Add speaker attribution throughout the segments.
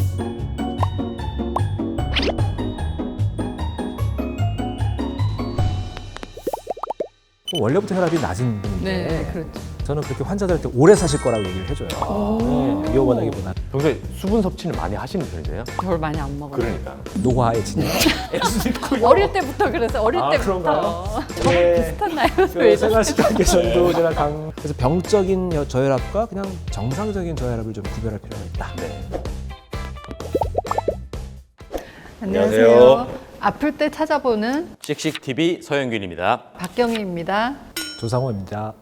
Speaker 1: 원래부터 혈압이 낮은 분인데
Speaker 2: 네, 그렇죠.
Speaker 1: 저는 그렇게 환자들한테 오래 사실 거라고 얘기를 해줘요. 네, 위험하다기보다
Speaker 3: 평소에 수분 섭취는 많이 하시는 편이세요?
Speaker 2: 별 많이 안 먹어요.
Speaker 3: 그러니까.
Speaker 1: 노화에 진행.
Speaker 2: 어릴 때부터 그래서 어릴 때부터
Speaker 1: 그런가요?
Speaker 2: 저랑
Speaker 1: 네.
Speaker 2: 비슷한 나이로
Speaker 1: 그 생활습관 개선도 제가 그래서 병적인 저혈압과 그냥 정상적인 저혈압을 좀 구별할 필요가 있다.
Speaker 3: 네.
Speaker 2: 안녕하세요. 아플 때 찾아보는
Speaker 3: 씩씩TV 서영균입니다.
Speaker 2: 박경희입니다.
Speaker 1: 조상호입니다.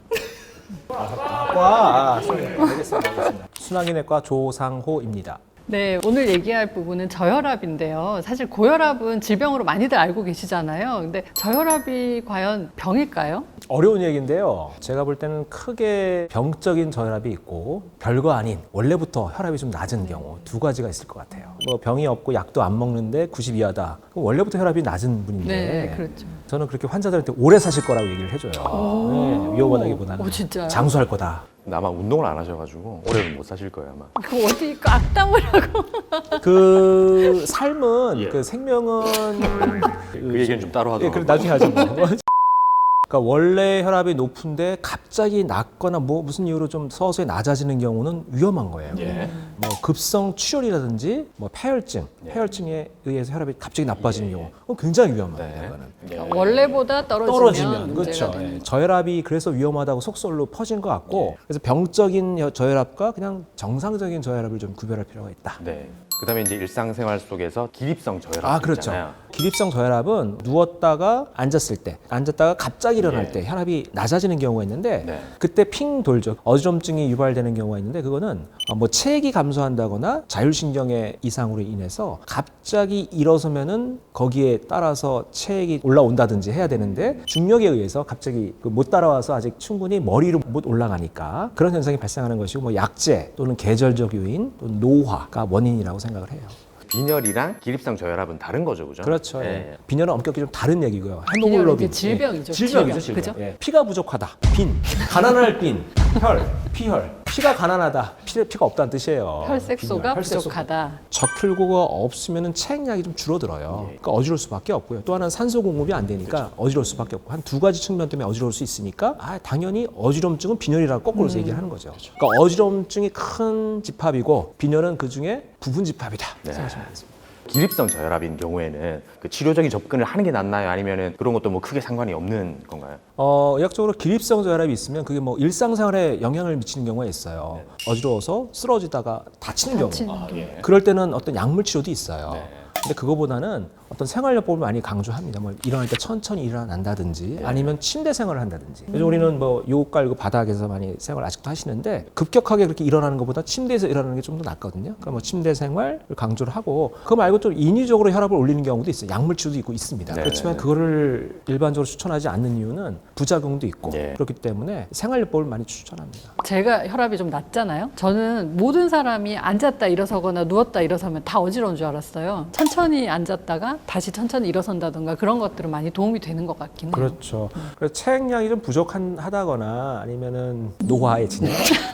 Speaker 1: 알겠습니다. 순환기내과 조상호입니다.
Speaker 2: 네, 오늘 얘기할 부분은 저혈압인데요. 사실 고혈압은 질병으로 많이들 알고 계시잖아요. 근데 저혈압이 과연 병일까요?
Speaker 1: 어려운 얘기인데요. 제가 볼 때는 크게 병적인 저혈압이 있고 별거 아닌 원래부터 혈압이 좀 낮은 경우 두 가지가 있을 것 같아요. 뭐 병이 없고 약도 안 먹는데 90 이하다. 그럼 원래부터 혈압이 낮은 분인데
Speaker 2: 네, 그렇죠.
Speaker 1: 저는 그렇게 환자들한테 오래 사실 거라고 얘기를 해줘요. 네, 위험하다기보다는
Speaker 2: 오, 진짜요?
Speaker 1: 장수할 거다.
Speaker 3: 근데 아마 운동을 안 하셔가지고 오래는 못 사실 거예요 아마.
Speaker 2: 그 어디 악담을 하고.
Speaker 1: 그 삶은
Speaker 3: 예.
Speaker 1: 그 생명은
Speaker 3: 그 얘기는 좀 따로
Speaker 1: 예,
Speaker 3: 하도록.
Speaker 1: 그럼 나중에 하죠. 뭐. 그러니까 원래 혈압이 높은데 갑자기 낮거나 뭐 무슨 이유로 좀 서서히 낮아지는 경우는 위험한 거예요.
Speaker 3: 예.
Speaker 1: 뭐 급성 출혈이라든지 뭐 폐혈증,
Speaker 3: 예.
Speaker 1: 폐혈증에 의해서 혈압이 갑자기 나빠지는 경우 그건 굉장히 위험합니다.
Speaker 3: 네.
Speaker 1: 그거는.
Speaker 3: 예.
Speaker 2: 원래보다 떨어지면
Speaker 1: 그렇죠.
Speaker 2: 문제가 되는
Speaker 1: 예. 저혈압이 그래서 위험하다고 속설로 퍼진 것 같고 그래서 병적인 저혈압과 그냥 정상적인 저혈압을 좀 구별할 필요가 있다.
Speaker 3: 네. 그다음에 이제 일상생활 속에서 기립성 저혈압
Speaker 1: 그렇죠.
Speaker 3: 있잖아요.
Speaker 1: 기립성 저혈압은 누웠다가 앉았을 때, 앉았다가 갑자기 일어날
Speaker 3: 예.
Speaker 1: 때 혈압이 낮아지는 경우가 있는데
Speaker 3: 네.
Speaker 1: 그때 핑 돌죠. 어지럼증이 유발되는 경우가 있는데 그거는 뭐 체액이 감소한다거나 자율신경의 이상으로 인해서 갑자기 일어서면은 거기에 따라서 체액이 올라온다든지 해야 되는데 중력에 의해서 갑자기 못 따라와서 아직 충분히 머리로 못 올라가니까 그런 현상이 발생하는 것이고 뭐 약제 또는 계절적 요인 또는 노화가 원인이라고 생각을 해요.
Speaker 3: 빈혈이랑 기립성 저혈압은 다른 거죠, 그죠?
Speaker 1: 그렇죠.
Speaker 3: 예.
Speaker 1: 빈혈은 엄격히 좀 다른 얘기고요.
Speaker 2: 빈혈은
Speaker 1: 헤모글로빈
Speaker 2: 이제 질병이죠.
Speaker 1: 질병이죠,
Speaker 2: 질병.
Speaker 1: 질병.
Speaker 2: 그죠?
Speaker 1: 예. 피가 부족하다. 빈, 가난할 빈, 혈, 피혈. 피가 가난하다. 피가 없다는 뜻이에요.
Speaker 2: 혈색소가
Speaker 1: 빈혈, 혈색소.
Speaker 2: 부족하다.
Speaker 1: 적혈구가 없으면 체액량이 좀 줄어들어요. 그러니까 어지러울 수밖에 없고요. 또 하나는 산소 공급이 안 되니까 어지러울 수밖에 없고 한 두 가지 측면 때문에 어지러울 수 있으니까 당연히 어지럼증은 빈혈이라고 거꾸로서 얘기를 하는 거죠. 그러니까 어지럼증이 큰 집합이고 빈혈은 그 중에 부분 집합이다.
Speaker 3: 네.
Speaker 1: 생각하시면 되겠습니다.
Speaker 3: 기립성 저혈압인 경우에는 그 치료적인 접근을 하는 게 낫나요? 아니면은 그런 것도 뭐 크게 상관이 없는 건가요?
Speaker 1: 의학적으로 기립성 저혈압이 있으면 그게 뭐 일상생활에 영향을 미치는 경우가 있어요. 어지러워서 쓰러지다가 다치는 경우.
Speaker 2: 다치는 경우.
Speaker 3: 예.
Speaker 1: 그럴 때는 어떤 약물 치료도 있어요.
Speaker 3: 네.
Speaker 1: 근데 그거보다는 어떤 생활요법을 많이 강조합니다. 뭐 일어날 때 천천히 일어난다든지 아니면 침대 생활을 한다든지. 요즘 우리는 뭐 요옷 깔고 바닥에서 많이 생활 아직도 하시는데 급격하게 그렇게 일어나는 것보다 침대에서 일어나는 게 좀 더 낫거든요. 그러니까 뭐 침대 생활을 강조를 하고 그거 말고 좀 인위적으로 혈압을 올리는 경우도 있어요. 약물 치료도 있고 있습니다.
Speaker 3: 네.
Speaker 1: 그렇지만 그거를 일반적으로 추천하지 않는 이유는 부작용도 있고
Speaker 3: 네.
Speaker 1: 그렇기 때문에 생활요법을 많이 추천합니다.
Speaker 2: 제가 혈압이 좀 낮잖아요. 저는 모든 사람이 앉았다 일어서거나 누웠다 일어서면 다 어지러운 줄 알았어요. 천천히 앉았다가 다시 천천히 일어선다던가 그런 것들은 많이 도움이 되는 것 같긴 해요.
Speaker 1: 그렇죠. 그래서 체액량이 좀 부족하다거나 아니면은 노화에 진행.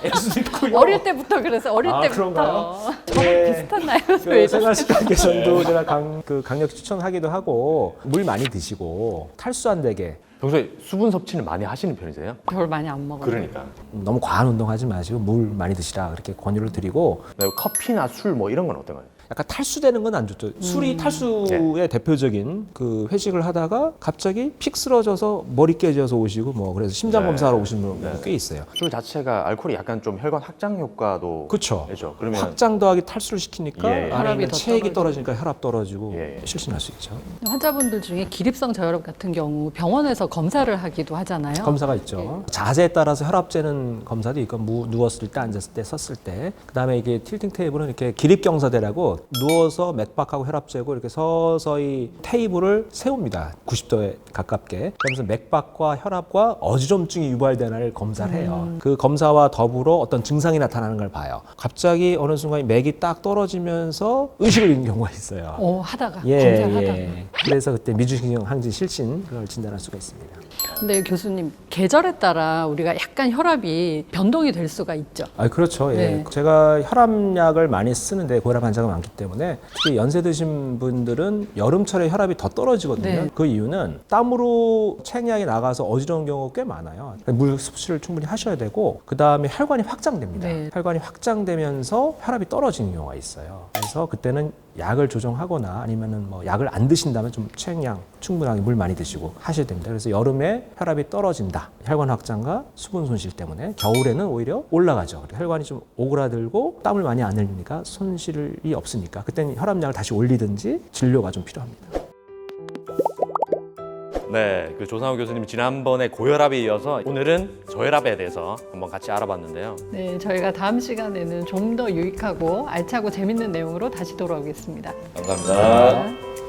Speaker 2: 어릴 때부터 그래서 어릴 때부터
Speaker 1: 그런가요?
Speaker 2: 저랑
Speaker 1: 네.
Speaker 2: 비슷한 나이로
Speaker 1: 그 생활습관 개선도 제가 강력히 추천하기도 하고 물 많이 드시고 탈수 안 되게
Speaker 3: 평소에 수분 섭취는 많이 하시는 편이세요?
Speaker 2: 별 많이 안 먹어요.
Speaker 3: 그러니까.
Speaker 1: 너무 과한 운동하지 마시고 물 많이 드시라 그렇게 권유를 드리고
Speaker 3: 네, 커피나 술 뭐 이런 건 어떤가요?
Speaker 1: 약간 탈수되는 건 안 좋죠. 술이 탈수의 대표적인 그 회식을 하다가 갑자기 픽 쓰러져서 머리 깨져서 오시고 뭐 그래서 심장
Speaker 3: 네.
Speaker 1: 검사하러 오시는 분
Speaker 3: 네.
Speaker 1: 꽤 있어요.
Speaker 3: 술 자체가 알코올이 약간 좀 혈관 확장 효과도
Speaker 1: 그렇죠.
Speaker 3: 되죠. 그러면
Speaker 1: 확장 더하기 탈수를 시키니까
Speaker 3: 예, 예.
Speaker 1: 안에
Speaker 2: 혈압이
Speaker 1: 있는
Speaker 2: 더
Speaker 1: 체액이 떨어지니까 혈압 떨어지고
Speaker 3: 예, 예.
Speaker 1: 실신할 수 있죠.
Speaker 2: 환자분들 중에 기립성 저혈압 같은 경우 병원에서 검사를 하기도 하잖아요.
Speaker 1: 검사가 있죠. 자세에 따라서 혈압 재는 검사도 있고 누웠을 때, 앉았을 때, 섰을 때. 그다음에 이게 틸팅 테이블은 이렇게 기립경사대라고 누워서 맥박하고 혈압 재고 이렇게 서서히 테이블을 세웁니다. 90도에 가깝게. 그러면서 맥박과 혈압과 어지럼증이 유발되나를 검사를 해요. 그 검사와 더불어 어떤 증상이 나타나는 걸 봐요. 갑자기 어느 순간 맥이 딱 떨어지면서 의식을 잃는 경우가 있어요.
Speaker 2: 하다가 검사를 하다가.
Speaker 1: 그래서 그때 미주신경 항진 실신 그걸 진단할 수가 있습니다.
Speaker 2: 근데 교수님 계절에 따라 우리가 약간 혈압이 변동이 될 수가 있죠.
Speaker 1: 그렇죠. 예.
Speaker 2: 네.
Speaker 1: 제가 혈압약을 많이 쓰는데 고혈압 환자가 많기 때문에 특히 연세 드신 분들은 여름철에 혈압이 더 떨어지거든요.
Speaker 2: 네.
Speaker 1: 그 이유는 땀으로 체액량이 나가서 어지러운 경우가 꽤 많아요. 물 섭취를 충분히 하셔야 되고 그 다음에 혈관이 확장됩니다.
Speaker 2: 네.
Speaker 1: 혈관이 확장되면서 혈압이 떨어지는 경우가 있어요. 그래서 그때는 약을 조정하거나 아니면은 뭐 약을 안 드신다면 좀 체액량 충분하게 물 많이 드시고 하셔야 됩니다. 그래서 여름에 혈압이 떨어진다. 혈관 확장과 수분 손실 때문에 겨울에는 오히려 올라가죠. 혈관이 좀 오그라들고 땀을 많이 안 흘리니까 손실이 없으니까 그때는 혈압약을 다시 올리든지 진료가 좀 필요합니다.
Speaker 3: 네, 그 조상우 교수님 지난번에 고혈압에 이어서 오늘은 저혈압에 대해서 한번 같이 알아봤는데요.
Speaker 2: 네, 저희가 다음 시간에는 좀 더 유익하고 알차고 재밌는 내용으로 다시 돌아오겠습니다.
Speaker 3: 감사합니다.